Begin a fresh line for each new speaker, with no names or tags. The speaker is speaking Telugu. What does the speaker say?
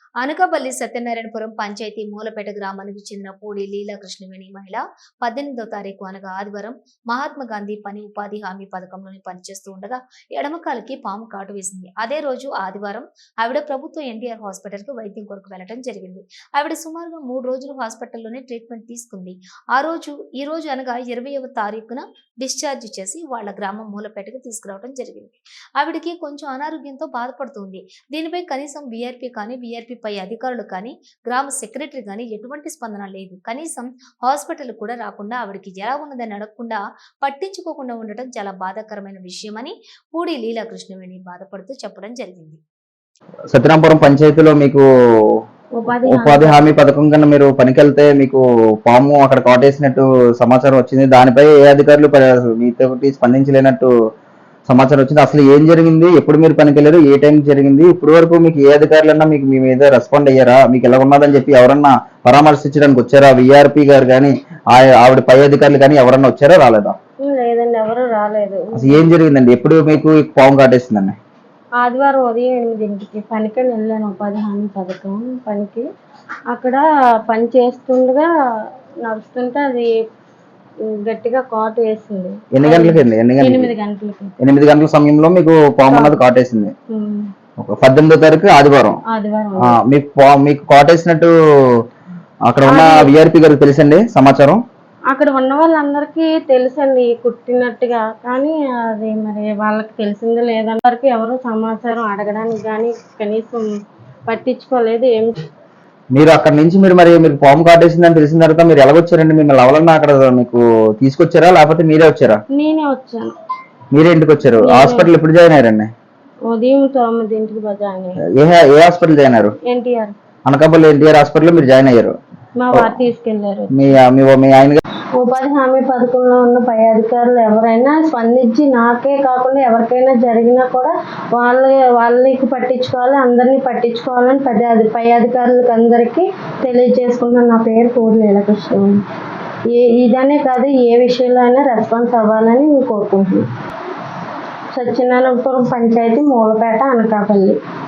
అనకాపల్లి సత్యనారాయణపురం పంచాయతీ మూలపేట గ్రామానికి చెందిన పూడి లీలాకృష్ణవేణి మహిళ 18వ తారీఖు అనగా ఆదివారం మహాత్మా గాంధీ పని ఉపాధి హామీ పథకంలోని పనిచేస్తూ ఉండగా ఎడమకాలికి పాము కాటు వేసింది. అదే రోజు ఆదివారం ఆవిడ ప్రభుత్వ ఎన్టీఆర్ హాస్పిటల్ కు వైద్యం కొరకు వెళ్లడం జరిగింది. ఆవిడ సుమారుగా 3 రోజులు హాస్పిటల్లోనే ట్రీట్మెంట్ తీసుకుంది. ఈ రోజు అనగా 20వ తారీఖున డిశ్చార్జ్ చేసి వాళ్ళ గ్రామం మూలపేటకు తీసుకురావడం జరిగింది. ఆవిడకి కొంచెం అనారోగ్యంతో బాధపడుతుంది. దీనిపై కనీసం వీఆర్పీ కానీ వీఆర్పీ పై అధికారులు కానీ గ్రామ సెక్రటరీ కానీ ఎటువంటి స్పందన లేదు. కనీసం హాస్పిటల్ కూడా రాకుండా ఆవిడకి ఎలా ఉన్నదని అడగకుండా పట్టించుకోకుండా ఉండటం చాలా బాధాకరమైన విషయమని పూడి లీలాకృష్ణవేణి బాధపడుతూ చెప్పడం జరిగింది.
సత్యనారాయణపురం పంచాయతీలో మీకు ఉపాధి హామీ పథకం కన్నా మీరు పనికెళ్తే మీకు పాము అక్కడ కాటేసినట్టు సమాచారం వచ్చింది. దానిపై ఏ అధికారులు మీతో స్పందించలేనట్టు సమాచారం వచ్చింది. అసలు ఏం జరిగింది, ఎప్పుడు మీరు పనికెళ్ళారు, ఏ టైం జరిగింది, ఇప్పటి వరకు మీకు ఏ అధికారులన్నా మీకు మీ మీద రెస్పాండ్ అయ్యారా, మీకు ఎలా ఉన్నదని చెప్పి ఎవరన్నా పరామర్శించడానికి వచ్చారా? విఆర్పి గారు కానీ ఆవిడ పై అధికారులు కానీ ఎవరన్నా వచ్చారా, రాలేదా?
లేదండి, ఎవరు రాలేదు.
అసలు ఏం జరిగిందండి, ఎప్పుడు మీకు పాము కాటేసిందండి?
ఆదివారం ఉదయం 8కి పనికని వెళ్ళాను, ఉపాధి హామీ పథకం పనికి. అక్కడ పని చేస్తుండగా నడుస్తుంటే అది గట్టిగా కాటు వేసింది.
ఎన్ని గంటలకి?
8 గంటలకి.
8 గంటల సమయంలో మీకు పాము అన్నది కాటేసింది. 18వ తారీఖు ఆదివారం. మీకు కాటేసినట్టు అక్కడ ఉన్న విఆర్పి గారికి తెలుసండి సమాచారం?
అక్కడ ఉన్న వాళ్ళందరికీ తెలుసండి కుట్టినట్టుగా, కానీ అది మరి వాళ్ళకి తెలిసిందో లేదని వరకు ఎవరు సమాచారం అడగడానికి కానీ కనీసం పట్టించుకోలేదు. ఏం
మీరు అక్కడ నుంచి మీరు పాము కాటేసిందని తెలిసిన తర్వాత మీరు ఎలాగొచ్చారండి? మిమ్మల్ని ఎవరన్నా అక్కడ మీకు తీసుకొచ్చారా, లేకపోతే మీరే వచ్చారా?
నేనే వచ్చాను.
మీరే ఇంటికి వచ్చారు? హాస్పిటల్ ఎప్పుడు జాయిన్ అయ్యారండి?
ఉదయం 9కి జాయిన్ అయ్యారు.
ఏ హాస్పిటల్ జాయిన్ అయ్యారు?
ఎన్టీఆర్.
అనకాపల్లి ఎన్టీఆర్ హాస్పిటల్ మీరు జాయిన్ అయ్యారు.
మా వారు తీసుకెళ్లారు.
మీ ఆయన
ఉపాధి హామీ పథకంలో ఉన్న పై అధికారులు ఎవరైనా స్పందించి, నాకే కాకుండా ఎవరికైనా జరిగినా కూడా వాళ్ళకి పట్టించుకోవాలి, అందరినీ పట్టించుకోవాలని పై అధికారులకు అందరికీ తెలియజేసుకుంటున్నాను. నా పేరు పూడి లీలాకృష్ణవేణి. ఇదనే కాదు, ఏ విషయంలో అయినా రెస్పాన్స్ అవ్వాలని నేను కోరుకుంటున్నాను. సత్యనారాయణపురం పంచాయతీ మూలపేట, అనకాపల్లి.